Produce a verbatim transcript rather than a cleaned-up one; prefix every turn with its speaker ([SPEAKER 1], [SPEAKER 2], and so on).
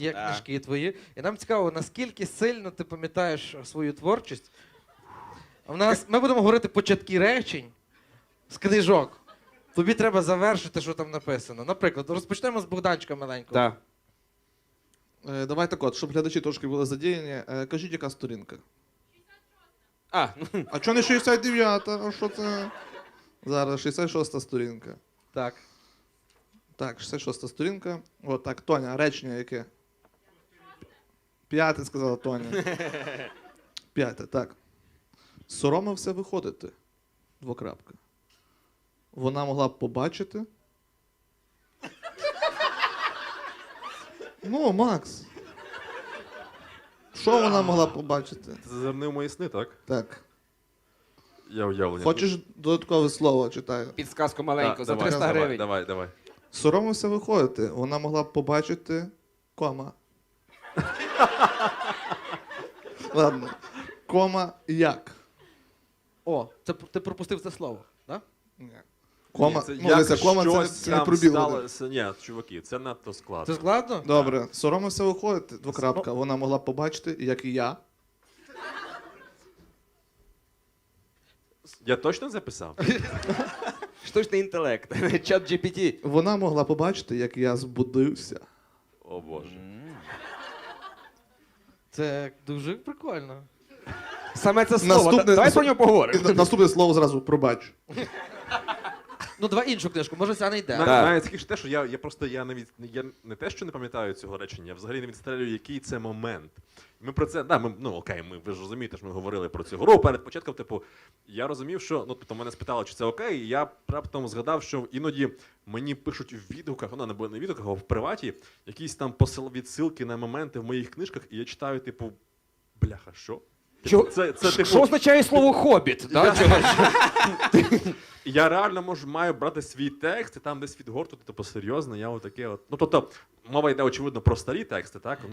[SPEAKER 1] Є
[SPEAKER 2] Так.
[SPEAKER 1] книжки твої. І нам цікаво, наскільки сильно ти пам'ятаєш свою творчість. У нас, ми будемо говорити початки речень з книжок. Тобі треба завершити, що там написано. Наприклад, розпочнемо з Богданчика маленького.
[SPEAKER 2] Так.
[SPEAKER 3] Е, Давай так от, щоб глядачі трошки були задіяні. Е, Кажіть, яка сторінка?
[SPEAKER 2] А,
[SPEAKER 3] А чого не шістдесят дев'ята? А що це? Зараз шістдесят шоста сторінка.
[SPEAKER 1] Так.
[SPEAKER 3] Так, шістдесят шоста сторінка. От так, Тоня, речення яке? П'яте, сказала Тоня. П'яте, так. Соромився виходити. Двокрапка. Вона могла б побачити. Ну, Макс. Що вона могла б побачити?
[SPEAKER 4] Ти зазирнив мої сни, так?
[SPEAKER 3] Так.
[SPEAKER 4] Я уявлення.
[SPEAKER 3] Хочеш додаткове слово, читаю.
[SPEAKER 2] підсказку маленьку
[SPEAKER 4] Так,
[SPEAKER 2] за
[SPEAKER 4] давай,
[SPEAKER 2] триста
[SPEAKER 4] давай,
[SPEAKER 2] гривень.
[SPEAKER 4] Давай, давай.
[SPEAKER 3] Соромився виходити. Вона могла б побачити кома. Ладно. Кома як?
[SPEAKER 1] О, це п- ти пропустив це слово, так?
[SPEAKER 3] Ні. Кома,
[SPEAKER 4] Ні, це
[SPEAKER 3] ну,
[SPEAKER 4] як
[SPEAKER 3] дивися, кома це, не-
[SPEAKER 4] щось
[SPEAKER 3] це не
[SPEAKER 4] там
[SPEAKER 3] пробіл.
[SPEAKER 4] сталося. Ні, чуваки, це надто складно.
[SPEAKER 1] Це складно?
[SPEAKER 3] Добре, соромився виходити, двокрапка. Вона могла б побачити, як і я.
[SPEAKER 4] Я точно записав?
[SPEAKER 2] Штучний інтелект. Чат джі пі ті.
[SPEAKER 3] Вона могла побачити, як я збудився.
[SPEAKER 4] О боже.
[SPEAKER 1] Це дуже прикольно.
[SPEAKER 2] Саме це слово.
[SPEAKER 3] Наступне-
[SPEAKER 2] Та- Давай про нього
[SPEAKER 3] І
[SPEAKER 2] поговоримо.
[SPEAKER 3] на- наступне слово зразу пробач.
[SPEAKER 1] Ну, давай іншу книжку, може ця не йде.
[SPEAKER 4] На-
[SPEAKER 2] Так.
[SPEAKER 4] Навіть скільки те, що я, я просто я навіть я не те, що не пам'ятаю цього речення, я взагалі не відстрелюю, який це момент. Ми про це, да, ми, ну окей, ми ви ж розумієте, що ми говорили про цю гру перед початком. Типу, я розумів, що ну тобто мене спитали, чи це окей. І я раптом згадав, що іноді мені пишуть в відгуках, ну не не в відгуках, а в приваті, якісь там посил відсилки на моменти в моїх книжках, і я читаю, типу, бляха, що?
[SPEAKER 2] Чо-
[SPEAKER 4] Це, це, типу,
[SPEAKER 2] Що означає слово хобіт? Да?
[SPEAKER 4] я реально можу маю брати свій текст і там десь відгортувати, типу, серйозно, я отаке от. Ну тобто, мова йде очевидно про старі тексти, так?